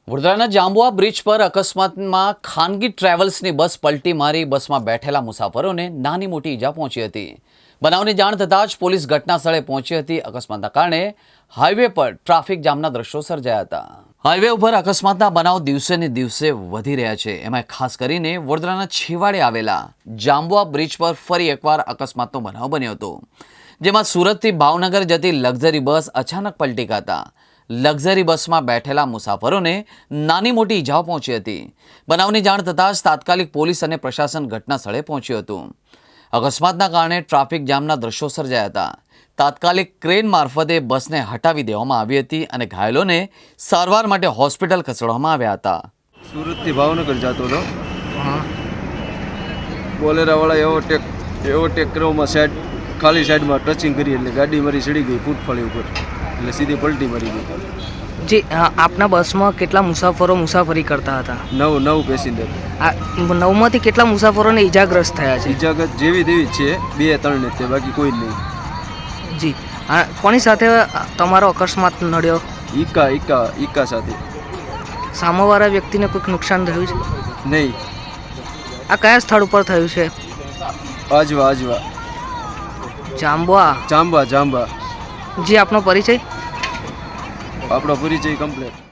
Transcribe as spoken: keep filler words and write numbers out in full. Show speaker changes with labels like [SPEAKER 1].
[SPEAKER 1] વડોદરાના જાંબુઆ બ્રિજ પર અકસ્માતમાં ખાનગી ટ્રાવેલ્સની બસ પલટી મારી બસમાં બેઠેલા મુસાફરોને નાની મોટી ઈજા પહોંચી હતી। બનાવની જાણ થતાં જ પોલીસ ઘટના સ્થળે પહોંચી હતી। અકસ્માતના કારણે હાઈવે પર ટ્રાફિક જામના દ્રશ્યો સર્જાયા હતા। હાઈવે ઉપર અકસ્માતના બનાવ દિવસે ને દિવસે વધી રહ્યા છે। એમાં ખાસ કરીને વડોદરાના છેવાડે આવેલા જાંબુઆ બ્રિજ પર ફરી એકવાર અકસ્માતનો બનાવ બન્યો હતો, જેમાં સુરતથી ભાવનગર જતી લક્ઝરી બસ અચાનક પલટી ખાતા લક્ઝરી બસમાં બેઠેલા મુસાફરોને નાની મોટી ઈજાઓ પહોંચી હતી। બનાવની જાણ થતાં જ તાત્કાલિક પોલીસ અને પ્રશાસન ઘટના સ્થળે પહોંચ્યું હતું। અકસ્માતના કારણે ટ્રાફિક જામના દ્રશ્યો સર્જાયા હતા। તાત્કાલિક ક્રેન મારફતે બસને હટાવી દેવામાં આવી હતી અને ઘાયલોને સારવાર માટે હોસ્પિટલ ખસેડવામાં આવ્યા હતા।
[SPEAKER 2] સુરતથી ભાવનગર જતો હતો, બોલેરાવાળા એવો ટેક એવો ટેકરોમાં સાઈડ ખાલી સાઈડમાં ટચિંગ કરી એટલે ગાડી મારી ચડી ગઈ ફૂટફાળી ઉપર, એટલે સીધી પલટી મારી ગઈ।
[SPEAKER 3] જી, આપના બસમાં કેટલા મુસાફરો મુસાફરી કરતા હતા?
[SPEAKER 2] નવ નવ પેસેન્જર।
[SPEAKER 3] આ નવમાંથી કેટલા મુસાફરોને ઈજાગ્રસ્ત થયા છે?
[SPEAKER 2] ઈજાગ્રસ્ત જેવી તેવી જ છે, બે ત્રણ ને તે, બાકી કોઈ જ નહીં।
[SPEAKER 3] જી, આ કોની સાથે તમારો અકસ્માત નડ્યો?
[SPEAKER 2] ઈકા ઈકા ઈકા સાથે।
[SPEAKER 3] સામેવાળા વ્યક્તિને કોઈક નુકસાન થયું છે?
[SPEAKER 2] નહીં।
[SPEAKER 3] આ કયા સ્થળ ઉપર થયું છે?
[SPEAKER 2] આજવા આજવા
[SPEAKER 3] જાંબુઆ
[SPEAKER 2] જાંબા જાંબા।
[SPEAKER 3] જી, આપનો પરિચય?
[SPEAKER 2] આપણો પરિચય કમ્પ્લીટ।